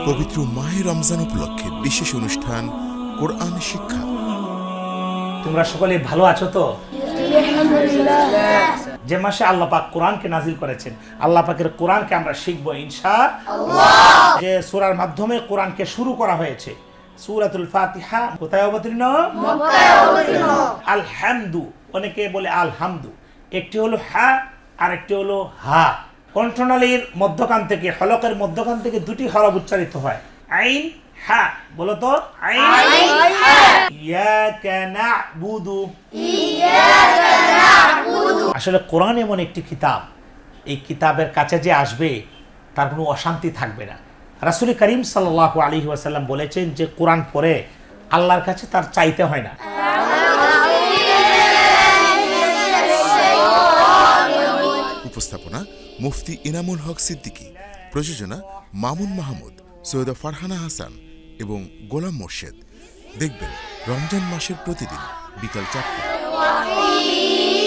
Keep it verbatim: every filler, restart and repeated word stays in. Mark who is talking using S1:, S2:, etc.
S1: পবিত্র মাহে রমজান উপলক্ষে বিশেষ অনুষ্ঠান কোরআন শিক্ষা।
S2: তোমরা সকলে ভালো আছো তো? যে মাসে আল্লাহ পাক কোরআনকে নাজিল করেছেন, আল্লাহ পাকের কোরআনকে আমরা শিখবো ইনশাআল্লাহ। যে সূরার মাধ্যমে কোরআনকে শুরু করা হয়েছে, সূরাতুল ফাতিহা কোথায় অবতীর্ণ? মক্কায় অবতীর্ণ। আলহামদু, অনেকে বলে আলহামদু, একটি হলো হা আর একটি হলো হা। কণ্ঠনালীর মধ্যখান থেকে, হলকের মধ্যখান থেকে দুটি হরফ উচ্চারিত হয়, আইন হা। বলো তো, আইন হা। ইয়াকা না'বুদু, ইয়াকা না'বুদু। আসলে কোরআন এমন একটি কিতাব, এই কিতাবের কাছে যে আসবে তার কোনো অশান্তি থাকবে না। রাসূল করিম সাল্লাল্লাহু আলাইহি ওয়াসাল্লাম বলেছেন যে কোরআন পড়ে আল্লাহর কাছে তার চাইতে হয় না।
S1: উপস্থাপনা মুফতি ইনামুল হক সিদ্দিকী, প্রযোজনা মামুন মাহমুদ, সৈয়দা ফারহানা হাসান এবং গোলাম মোর্শেদ। দেখবেন রমজান মাসের প্রতিদিন বিকাল চারটায়।